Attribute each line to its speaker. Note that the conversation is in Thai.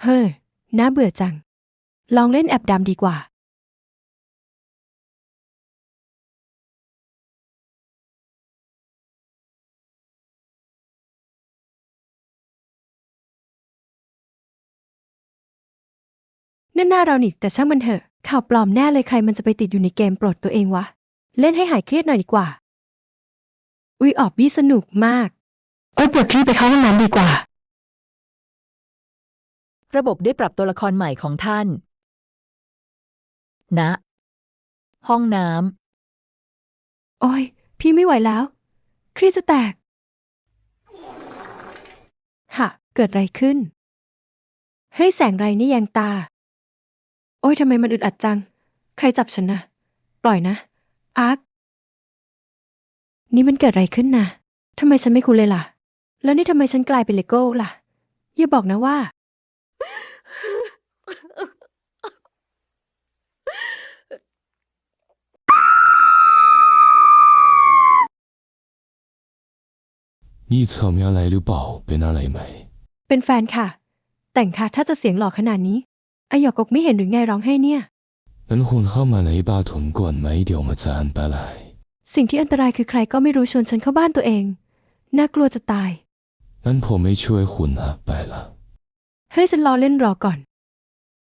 Speaker 1: เฮ้ยน่าเบื่อจังลองเล่นแอปดำดีกว่านั่นหน้าเรานี่แต่ช่างมันเถอะข่าวปลอมแน่เลยใครมันจะไปติดอยู่ในเกมโปรดตัวเองวะเล่นให้หายเครียดหน่อยดีกว่าอุ๊ยออบบี้สนุกมากโอ๊ยปวดขี้ไปเข้าห้องน้ำดีกว่า
Speaker 2: ระบบได้ปรับตัวละครใหม่ของท่าน ณ ห้องน้
Speaker 1: โอ๊ยพี่ไม่ไหวแล้วเครียดจะแตกฮะเกิดอะไรขึ้นเฮ้ยแสงไรนี่แยงตาโอ๊ยทำไมมันอึดอัดจังใครจับฉันนะปล่อยนะอาร์คนี่มันเกิดอะไรขึ้นนะทำไมฉันไม่คุ้นเลยล่ะแล้วนี่ทำไมฉันกลายเป็นเลโก้ล่ะอย่าบอกนะว่า
Speaker 3: 你侧面来了宝贝那来ไหม
Speaker 1: เป็นแฟนค่ะแต่งค่ะถ้าจะเสียงหล่อขนาดนี้อายอกกไม่เห็นหรือไงร้องให้เนี่ย
Speaker 3: นั้นคนเข้ามาในบ้านทุนก่อนไหมเดี๋ยวมาจานไปไหล
Speaker 1: สิ่งที่อันตรายคือใครก็ไม่รู้ชวนฉันเข้าบ้านตัวเองน่ากลัวจะตาย
Speaker 3: นั้นผมไม่ช่วยคุณนะไปละ
Speaker 1: เฮ้ยฉันรอเล่นรอก่อน